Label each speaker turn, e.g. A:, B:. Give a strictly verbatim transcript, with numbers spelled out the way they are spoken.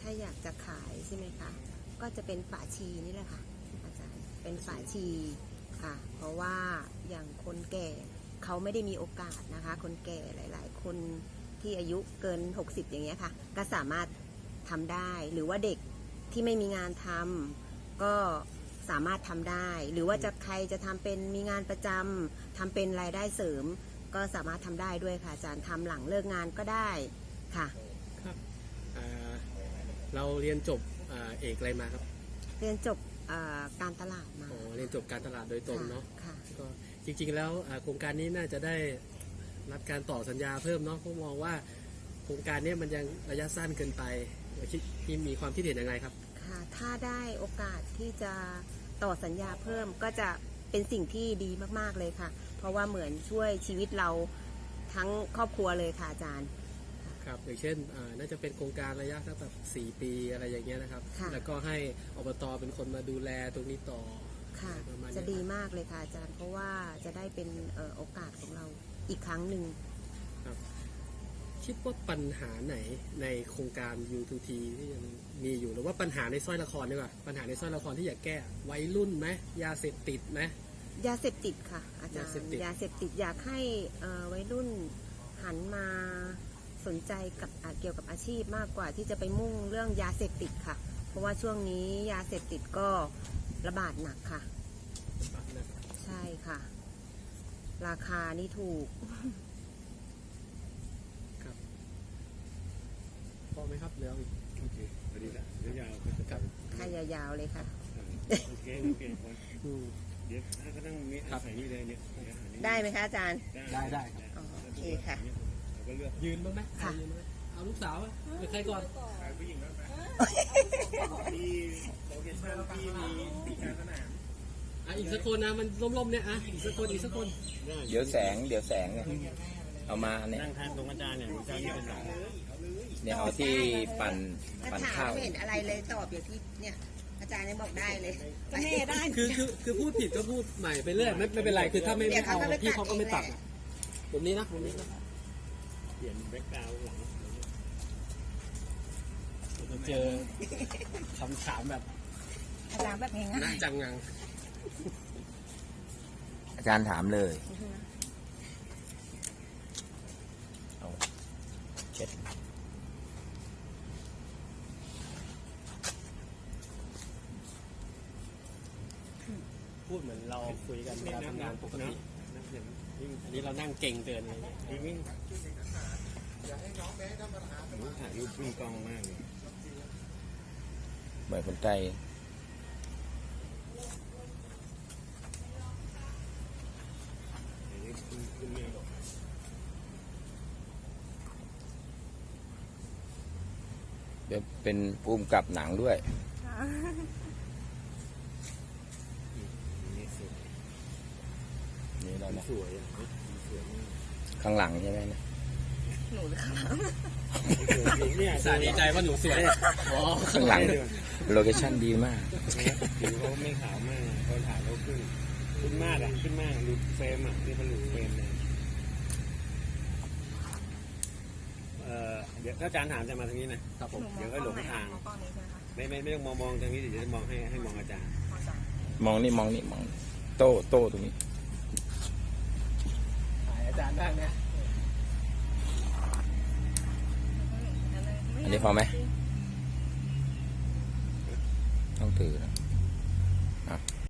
A: ถ้าอยากจะขายใช่ไหมคะก็จะเป็นฝาชีนี่แหละค่ะอาจารย์เป็นฝาชีค่ะเพราะว่าอย่างคนแก่เขาไม่ได้มีโอกาสนะคะคนแก่หลายๆคนที่อายุเกินหกสิบอย่างเงี้ยค่ะก็สามารถทำได้หรือว่าเด็กที่ไม่มีงานทำก็สามารถทำได้หรือว่าจะใครจะทำเป็นมีงานประจำทำเป็นรายได้เสริมก็สามารถทำได้ด้วยค่ะอาจารย์ทำหลังเลิกงานก็ได้ค่ะ
B: ครับเราเรียนจบเอกอะไรมาครับ
A: เรียนจบการตลาดมา
B: อ๋อเรียนจบการตลาดโดยตรงเนาะ
A: ค่ะ
B: ก็จริงๆแล้วโครงการนี้น่าจะได้รับการต่อสัญญาเพิ่มเนาะเพราะมองว่าโครงการนี้มันยังระยะสั้นเกินไปที่มีความคิดเห็นยังไงครับ
A: ค่ะถ้าได้โอกาสที่จะต่อสัญญาเพิ่มก็จะเป็นสิ่งที่ดีมากๆเลยค่ะเพราะว่าเหมือนช่วยชีวิตเราทั้งครอบครัวเลยค่ะอาจารย์
B: ครับอย่างเช่นน่าจะเป็นโครงการระยะสักแบบสี่ปีอะไรอย่างเงี้ยนะครับแล้วก็ให้อบต.เป็นคนมาดูแลตรงนี้ต่อ
A: ค่ะจะดีมากเลยค่ะอาจารย์เพราะว่าจะได้เป็นโอกาสของเราอีกครั้งหนึ่ง
B: ครับคิดว่าปัญหาไหนในโครงการ ยู ทู ที ที่ยังมีอยู่หรือว่าปัญหาในสร้อยละครดีกว่าปัญหาในสร้อยละครที่อยากแก้วัยรุ่นไหมยาเสพติดไหม
A: ยาเสพติดค่ะอาจารย์ยาเสพติดอยากให้วัยรุ่นหันมาสนใจกับเกี่ยวกับอาชีพมากกว่าที่จะไปมุ่งเรื่องยาเสพติดค่ะเพราะว่าช่วงนี้ยาเสพติดก็ระบาดหนักค่ะใช่ค่ะราคานี่ถูก
B: ครับพอไหมครับเดี๋ยวอีก
C: โอเคพอดีละเดี๋ยวยาว
B: ครับ
A: ค่ายาวๆเลยค่ะ
C: โอเคโอเคเดี๋ยวถ้าก็ต้องมีใส่นี่เลยเนี่ย
A: ได้ไหมคะอาจารย์
B: ได้ได้
A: โอเคค่ะ
C: ก็เลือก
B: ยืนบ้างไหมค่ะเอาลูกสาวหรือใครก่อน
C: ผู้หญิงบ้างไหมที่โลเคชั่นที่มีปีการสนาม
B: อ่ะอีกสักคนนะมันล้มๆเนี่ยอ่ะอีกสักคนอีกสักคน
D: เดี๋ยวแสงเดี๋ยวแสงเนี่ยเอามาเนี่ย
C: นั่งทานตรงอาจารย์เนี่ยอาจารย์นี่เป็นหลัก
D: เนี่ยเอาที่ปั่นปั่นข้าว
A: ไม่เห็นอะไรเลยตอบอย่างที่เนี่ยอาจารย์ยังบอกได้เลยก็แม่ได้
B: คือคือคือพูดผิดก็พูดใหม่ไปเรื่อยไม่ไม่เป็นไรคือถ้าไม่ไม่เอาพี่เขาก็ไม่ตัดผมนี้นะผมนี้นะ
C: เปลี่ยนแบ็คกราวด์หลัง
B: เราเจอคำถามแบบ
A: อาจารย์แบบง่าย
B: น่าจังงัง
D: อาจารย์ถามเลยเอาเช็ด
B: พูดเหมือนเราคุยกันเวลาทำงานปกติอันนี้เรานั่งเก่งเกินเลย
C: วิ่งอยากให้น้องแม่ทำปัญหาถ่ายรูปวิ่งกล้องมากเลย
D: เหมือนคนใจเดี๋ยวเป็นภูมิกับหนังด้วยนี่เรา
C: สวย
D: ข้างหลังใช่ไหมนะ
A: หนูข้างหลัง
B: เนี่ยสาดีใจว่าหนูสวยอ๋อ
D: ข้างหลังโลเคชั่นดีมาก
C: ผิวเขาไม่ขาวมากเขาถ่ายเขาขึ้นขึ้นมากอ่ะขึ้นมากหลุดเฟรมอ่ะนี่มันหลุดเฟรมเลยเอ่อเดี๋ยวถ้าอาจารย์ถามจะมาทางนี้นะครับผมเดี๋ยวก็หลงทางไม่ไม่ไม่ต้องมองมองทางนี้เดี๋ยวจะมองให้ให้มองอาจารย์
D: มองนี่มองนี่มองโต้โต้ตรงนี้
B: ถ่ายอาจารย์ได้ไหม
D: อันนี้พอไหมต้องถือนะ